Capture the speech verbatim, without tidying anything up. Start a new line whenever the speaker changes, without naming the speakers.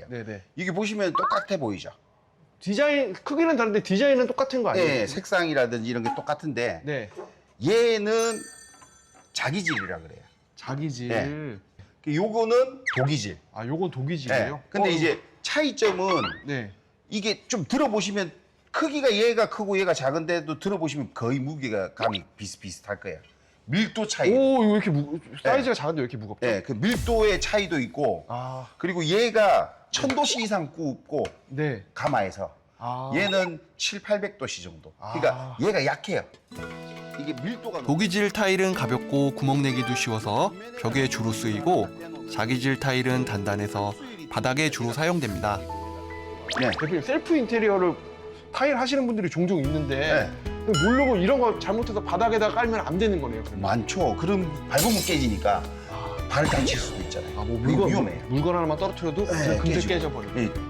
네네.
이게 보시면 똑같아 보이죠?
디자인 크기는 다른데 디자인은 똑같은 거 아니에요?
네, 색상이라든지 이런 게 똑같은데
네.
얘는 자기질이라 그래요.
자기질.
네. 요거는 독이질.
아, 요건 독이질이에요?
네. 근데
어,
이제 차이점은
네.
이게 좀 들어보시면 크기가 얘가 크고 얘가 작은데도 들어보시면 거의 무게가 감이 비슷비슷할 거예요. 밀도 차이.
오, 이거 왜 이렇게 무 사이즈가 작은데 왜 이렇게 무겁죠?
네, 그 밀도의 차이도 있고
아,
그리고 얘가 천 도씨 이상 굽고
네.
가마에서
아.
얘는 칠팔백 도씨 정도. 그러니까
아.
얘가 약해요. 이게 밀도가
독이질 타일은 가볍고 구멍 내기도 쉬워서 벽에 주로 쓰이고 자기질 타일은 단단해서 바닥에 주로 사용됩니다.
네.
대표님, 셀프 인테리어를 타일 하시는 분들이 종종 있는데
네.
모르고 이런 거 잘못해서 바닥에다 깔면 안 되는 거네요. 그러면.
많죠. 그럼 밟으면 깨지니까
아,
발을 다칠 수도 있잖아요.
아, 뭐
그게
물건
위험해요.
물건 하나만 떨어뜨려도
네,
그냥 금세
깨지고.
깨져버려요.
예,